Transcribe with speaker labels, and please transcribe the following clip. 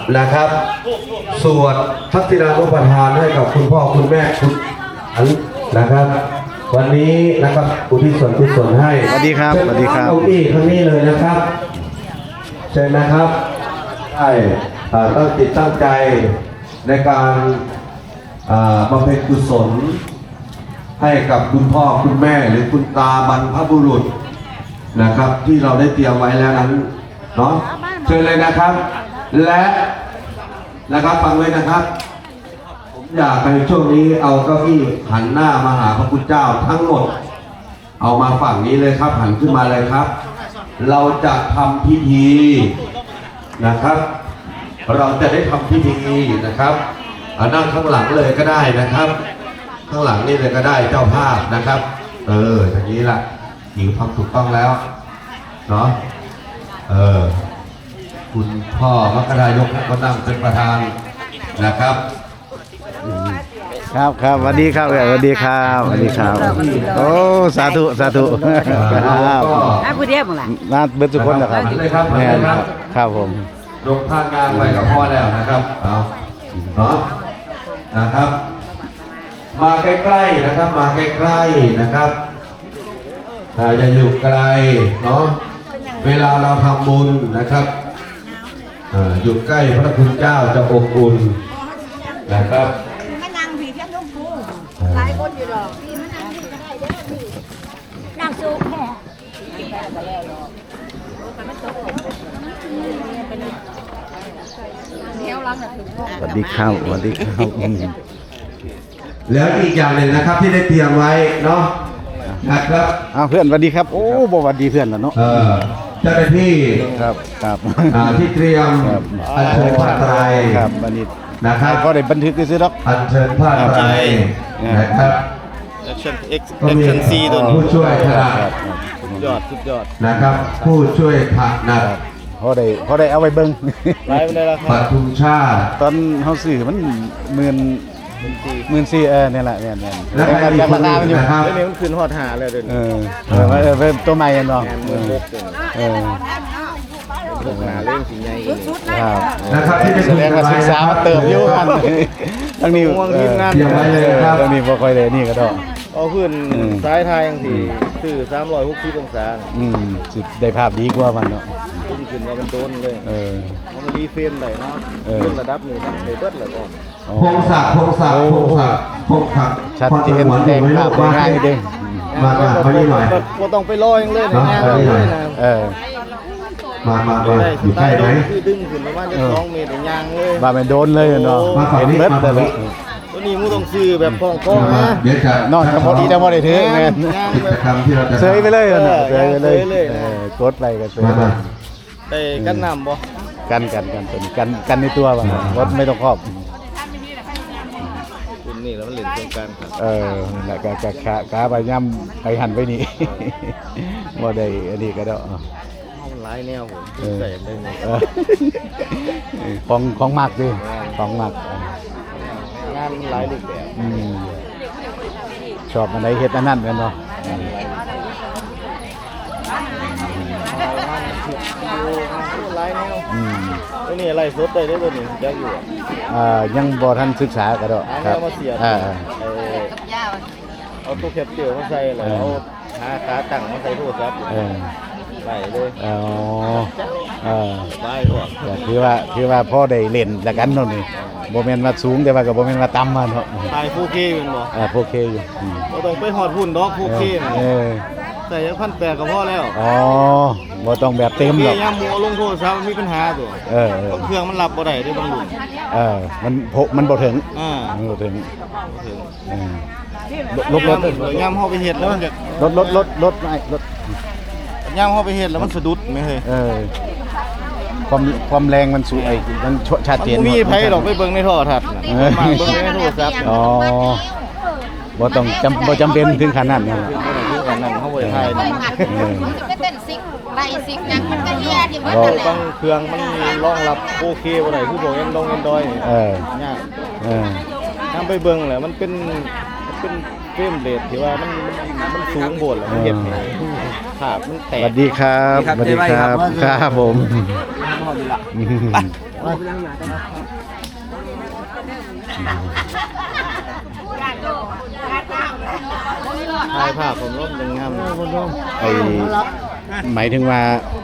Speaker 1: นะครับสวดทักษิณานุปทานให้กับคุณพ่อคุณแม่คุณอันนะครับวันนี้นะครับอุทิศส่วนกุศลให้
Speaker 2: สวัสดีครับสวัสดีครับ
Speaker 1: เก้าอี้ข้างนี้เลยนะครับเชิญนะครับได้ตั้งจิตตั้งใจในการบำเพ็ญกุศลให้กับคุณพ่อคุณแม่หรือคุณตาบรรพบุรุษนะครับที่เราได้เตรียมไว้แล้วนั้นเนาะเชิญเลยนะครับและนะครับฟังไว้นะครับผมอยากในช่วงนี้เอาเก้าอี้หันหน้ามาหาพระคุณเจ้าทั้งหมดเอามาฝั่งนี้เลยครับหันขึ้นมาเลยครับเราจะทำพิธีนะครับเราจะได้ทำพิธีนะครับนั่งข้างหลังเลยก็ได้นะครับข้างหลังนี่เลยก็ได้เจ้าภาพนะครับอย่างนี้ล่ะหญิงทำถูกต้องแล้วเนาะคุณพ่อมกรายกก็นั่งเป็นประธานนะครับ
Speaker 2: ครับครับสวัสดีครับสวัสดีครับสวัสดีครับโอ้สาธุสาธุครับ
Speaker 3: ผู้เดียวมั้งล่ะ
Speaker 2: มาเบิดทุกคนนะครับแม่ครับผม
Speaker 1: ลงท่างานไปกับพ่อแล้วนะครับเอาเนาะนะครับมาใกล้ๆนะครับมาใกล้ๆนะครับอย่าอยู่ไกลเนาะเวลาเราทำบุญนะครับอยู่ใกล้พระคุณเจ้าจะอบอุ่นนะครับ
Speaker 3: ไม่นั่งผีเพี้ยนลูกกูหลายคนอยู่หรอกพี่ไม่นั่งพี่ก็ได้เด้อพี่นั่งสูงแค่
Speaker 2: สวัสดีครับสวัสดีครับ
Speaker 1: แล้วอีกอย่างหนึ่งนะครับที่ได้เตรียมไว้เนาะนะครับ
Speaker 2: เพื่อนสวัสดีครับโอ้บสวัสดีเพื่อนแล้วเนาะ
Speaker 1: เจ้าหน้าที่
Speaker 2: ครับครับ
Speaker 1: ที่เตรียมอัญเชิญผ้าไตร
Speaker 2: ครับบัณฑิต
Speaker 1: นะครับ
Speaker 2: ก็ได้บันทึกซื้อหรอก
Speaker 1: อัญเชิญผ้าไตรนะครับ
Speaker 4: Action C ตัวนี้
Speaker 1: ผู้ช่วยถนัด
Speaker 4: สุดยอด
Speaker 1: นะครับผู้ช่วยถนัด
Speaker 2: พอได้เอาไว้เบิ้ง
Speaker 4: ไลฟ์ไม่ได้แล้ว
Speaker 1: ปัทุมชาติ
Speaker 2: ตอนเขาสื่อมัน14,000เนี่ยแหละเนี่ย
Speaker 1: แล้วใครมีคนอื่นนะครับ
Speaker 4: เดี๋ยวนี้มันขึ้นฮอดหาเลยเดี๋ยว
Speaker 2: นี้ตัวใหม่เนาะ
Speaker 4: หาเรื่องสิ่งใหญ่
Speaker 1: นะครับที่ได้
Speaker 2: แสดงว่าศึกษามาเติมอยู่กันทั้งนี้ทั้งนี้พอค่อยเลยนี่ก็ได้
Speaker 4: เอาขึ้นซ้ายทายอย่างที่สื่อ360องศา
Speaker 2: สิได้ภาพดีกว่ามันเนาะ
Speaker 4: ขึ้นมาเป็นต้นเลยมันรีเฟรมได้เนาะขึ้นระดับนี้มันเลยเบิดแล้วก่อน
Speaker 1: พงศักดิ์
Speaker 2: ชัดเจนแดงภาพง่ายเด้ง
Speaker 1: มานี่หน่อย
Speaker 4: ก็ต้องไปรออย่างเลยนะ
Speaker 1: มาอยู่ใกล้ไหม
Speaker 4: คือดึงขึ้นประมาณ2 เมตรย่างเลย
Speaker 2: มาเป็นโดนเลยเนาะ
Speaker 1: เห็น
Speaker 4: เบิดเลยตัวนี้มูต้องซื้อแบบคล้องๆนะ
Speaker 1: เดี๋ยวจะ
Speaker 2: นอนพอดีจะพอได้ถือไง
Speaker 1: กิจกรรมที่เราจะ
Speaker 2: เซยไปเลยนะเซยไปเลยกดไปกันเซย
Speaker 4: แต่กันน้ำบ่
Speaker 2: กันในตัวบ้างรถไม่ต้องครอบ
Speaker 4: คุณนี่แล้วมันเล่นตรงกลางครับ
Speaker 2: แล้วก็ขาไปย่ำไปหันไปนี่บ่ได้อันนี้ก็ได้
Speaker 4: หลายแนวผมใส่ได้ไง
Speaker 2: ของมากดิของมาก
Speaker 4: งานหลายรูปแบบ
Speaker 2: ชอบอะไรเฮ็ดอันนั้นกันเนาะ
Speaker 4: หลายแนวตัวนี้อะไรสดได้ตัวนี้จะอยู่
Speaker 2: ยังบ่ทันศึกษาก็ได้
Speaker 4: ครับมาเสียเอาตัวแคปเจอร์มาใส่แล้วเอาขาตั้งมาใส่โทรศัพท์ไปเลยไปก่อน
Speaker 2: คือว่าพ่อได้เล่นแล้วกันเนาะนี่บ่แม่นว่าสูงแต่ว่าก็บ่แม่นว่าต่ำมาเนาะ
Speaker 4: ถ่าย 4K แม่นบ่
Speaker 2: 4K อยู่
Speaker 4: บ่ต้องไปฮอดหุ่นดอก 4K น่ะใส่ยัง1,800ก็พอแล้ว
Speaker 2: บ่ต้องแบบเต็มหรอก
Speaker 4: ยามหมู่ลงโทรศัพท์มีปัญหาตัวเครื่องมันรับบ่ได้เด้บางรุ่น
Speaker 2: มันบ่ถึงมันบ่ถึงลบ
Speaker 4: ยามเฮาไปเฮ็ดแล้วมันจะ
Speaker 2: ลด
Speaker 4: ยามเฮาไปเฮ็ดแล้วมันสะดุดแม่เฮ้ย
Speaker 2: ความแรงมันสูงมันชัดเจน
Speaker 4: มีไผหรอกไปเบิ่งในโทรทัศน์น่ะมาเบิ่งในโทรศัพท์
Speaker 2: บ่ต้องบ่จำเป็นถึงขนาดนั้น
Speaker 4: ถึงขนาดนั้นเฮาบ่ได้ถ่าย
Speaker 3: มันก็เป็นซิกไล่ซิกยังมันก็เฮียที่ว่านั่นแหละ
Speaker 4: บางเครื่องมันรองรับโอเคบ่ได้คือพวกAndroid ยากนำไปเบิ่งแหละมันเป็นเฟรมเรทที่ว่ามันสูงโพดแล้วมันเฮ็ดให้ภาพมันแตก
Speaker 2: สวัสดีครับครับผม
Speaker 4: ไปถ่ายภาพผมร่มจังงาม
Speaker 2: ไอหมายถึงว่า